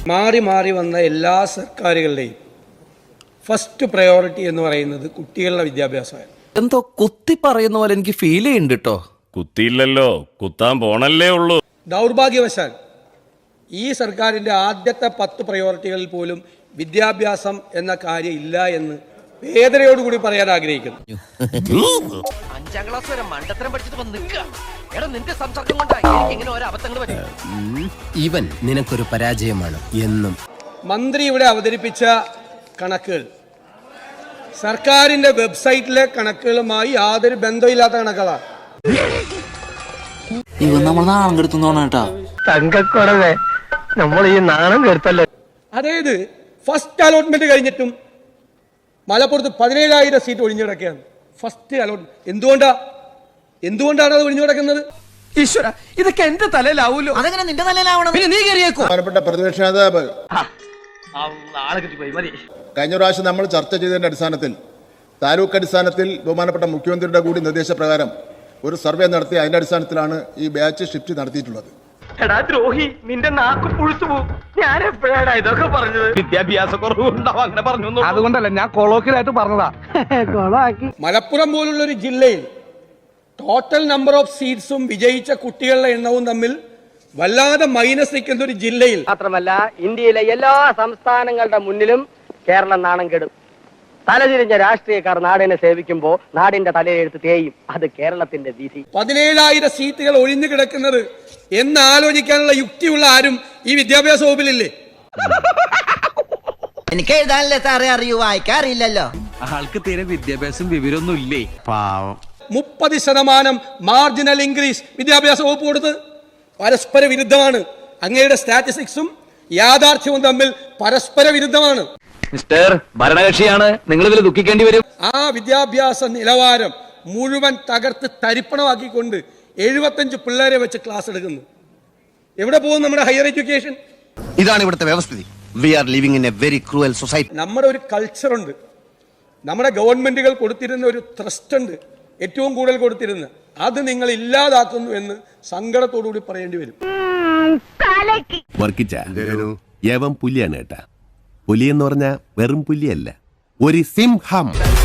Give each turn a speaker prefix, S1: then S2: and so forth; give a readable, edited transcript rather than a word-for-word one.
S1: മാറി മാറി വന്ന എല്ലാ സർക്കാരുകളുടെയും ഫസ്റ്റ് പ്രയോറിറ്റി എന്ന് പറയുന്നത് കുട്ടികളുടെ വിദ്യാഭ്യാസമായിരുന്നു.
S2: എന്തോ കുത്തി പറയുന്ന പോലെ എനിക്ക് ഫീൽ ചെയ്യുന്നുണ്ട് കേട്ടോ.
S3: കുത്തിയില്ലല്ലോ, കുത്താൻ പോണല്ലേ ഉള്ളൂ.
S1: ദൗർഭാഗ്യവശാൽ ഈ സർക്കാരിൻ്റെ ആദ്യത്തെ 10 പ്രയോറിറ്റികളിൽ പോലും വിദ്യാഭ്യാസം എന്ന കാര്യം ഇല്ല എന്ന് വേദനയോടുകൂടി പറയാൻ ആഗ്രഹിക്കുന്നു.
S4: 5ാം ക്ലാസ് വരെ മണ്ടത്തരം പഠിച്ചിട്ട് നിൽക്കുക. എടാ നിന്റെ സംസാരം കൊണ്ടാണ് എനിക്ക് ഇങ്ങനെ ഓരോ അബദ്ധങ്ങൾ പറ്റും.
S5: ഇവൻ നിനക്കൊരു പരാജയമാണ് എന്നും.
S1: മന്ത്രി ഇവിടെ അവതരിപ്പിച്ച കണക്കുകൾ സർക്കാരിന്റെ വെബ്സൈറ്റിലെ കണക്കുകളുമായി യാതൊരു ബന്ധമില്ലാത്ത കണക്കുകളാണ്.
S6: ഇവൻ നമ്മൾ നാണം കെടുത്തുന്നോണേട്ടാ.
S4: തങ്കക്കുറവേ, നമ്മൾ ഈ നാണം കെടുത്തല്ലോ.
S1: അതായത് ഫസ്റ്റ് അലോട്ട്മെന്റ് കഴിഞ്ഞിട്ടും മലപ്പുറത്ത് 17,000 സീറ്റ് ഒഴിഞ്ഞു കിടക്കുകയാണ്. ഫസ്റ്റ് അലോട്ട്മെന്റ് എന്തുകൊണ്ടാണ് അത് ഒഴിഞ്ഞു കിടക്കുന്നത്?
S5: ഈശ്വര, ഇതൊക്കെ എന്റെ തലയിലാവൂലോ. അതെങ്ങനെ നിന്റെ തലയിലാവണം? പിന്നെ നീ കയറിയേക്കോ.
S7: ബഹുമാനപ്പെട്ട പ്രതിപക്ഷ നേതാവ്, കഴിഞ്ഞ പ്രാവശ്യം നമ്മൾ ചർച്ച ചെയ്തതിന്റെ അടിസ്ഥാനത്തിൽ താലൂക്ക് അടിസ്ഥാനത്തിൽ ബഹുമാനപ്പെട്ട മുഖ്യമന്ത്രിയുടെ കൂടി നിർദ്ദേശപ്രകാരം ഒരു സർവേ നടത്തി അതിന്റെ അടിസ്ഥാനത്തിലാണ് ഈ ബാച്ച് ഷിഫ്റ്റ് നടത്തിയിട്ടുള്ളത്.
S4: എടാ ദ്രോഹി, നിന്റെ നാക്ക് പുഴുത്തു പോകും. ഞാൻ എപ്പോഴാണ് ഇതൊക്കെ പറഞ്ഞത്? വിദ്യാഭ്യാസ കുറവുണ്ടാവും അങ്ങനെ പറഞ്ഞു.
S5: അതുകൊണ്ടല്ല, ഞാൻ കൊളോക്കിലായിട്ട് പറഞ്ഞതാ.
S1: മലപ്പുറം പോലുള്ള ഒരു ജില്ലയിൽ ടോട്ടൽ നമ്പർ ഓഫ് സീറ്റ്സും വിജയിച്ച കുട്ടികളുടെ എണ്ണവും തമ്മിൽ വല്ലാതെ മൈനസ് നിൽക്കുന്ന ഒരു ജില്ലയിൽ
S4: മാത്രമല്ല, ഇന്ത്യയിലെ എല്ലാ സംസ്ഥാനങ്ങളുടെ മുന്നിലും കേരളം നാണം കെടും. തലതിരിഞ്ഞ രാഷ്ട്രീയക്കാർ നാടിനെ സേവിക്കുമ്പോൾ നാടിന്റെ തലയെഴുത്ത് തേയും. അത് കേരളത്തിന്റെ വിധി.
S1: 17,000 സീറ്റുകൾ ഒഴിഞ്ഞു കിടക്കുന്നത് എന്ന് ആലോചിക്കാനുള്ള യുക്തിയുള്ള ആരും ഈ വിദ്യാഭ്യാസ വകുപ്പിലില്ലേ?
S5: എനിക്ക് എഴുതാനല്ലേ സാറേ അറിയൂ, വായിക്കാറില്ലല്ലോ.
S2: ആൾക്ക് തീരെ വിദ്യാഭ്യാസം വിവരമൊന്നും ഇല്ലേ, പാവം.
S1: 30% മാർജിനൽ ഇൻക്രീസ് വിദ്യാഭ്യാസ വകുപ്പ് കൊടുത്ത് പരസ്പര വിരുദ്ധമാണ്. അങ്ങയുടെ സ്റ്റാറ്റിസ്റ്റിക്സും യാഥാർത്ഥ്യവും തമ്മിൽ പരസ്പര വിരുദ്ധമാണ്.
S8: മിസ്റ്റർ ഭരണകക്ഷിയാണ്, നിങ്ങൾ ഇതിൽ ദുഃഖിക്കേണ്ടി വരും.
S1: ആ വിദ്യാഭ്യാസ നിലവാരം മുഴുവൻ തകർത്ത് തരിപ്പണമാക്കിക്കൊണ്ട് 75 പിള്ളേരെ വെച്ച് ക്ലാസ് എടുക്കുന്നു. എവിടെ പോകും നമ്മുടെ ഹയർ എഡ്യൂക്കേഷൻ?
S5: ഇതാണ് ഇവിടുത്തെ വ്യവസ്ഥിതി. We are living in a very cruel society.
S1: നമ്മുടെ ഒരു കൾച്ചറുണ്ട്. നമ്മുടെ ഗവൺമെന്റുകൾ കൊടുത്തിരുന്ന ഒരു ട്രസ്റ്റ് ഉണ്ട്, ഏറ്റവും കൂടുതൽ കൊടുത്തിരുന്ന. അത് നിങ്ങൾ ഇല്ലാതാക്കുന്നു എന്ന് സങ്കടത്തോടുകൂടി പറയേണ്ടി വരും.
S9: യവൻ പുലിയാണ് കേട്ടാ. പുലി എന്ന് പറഞ്ഞാൽ വെറും പുലിയല്ല, ഒരു സിംഹം.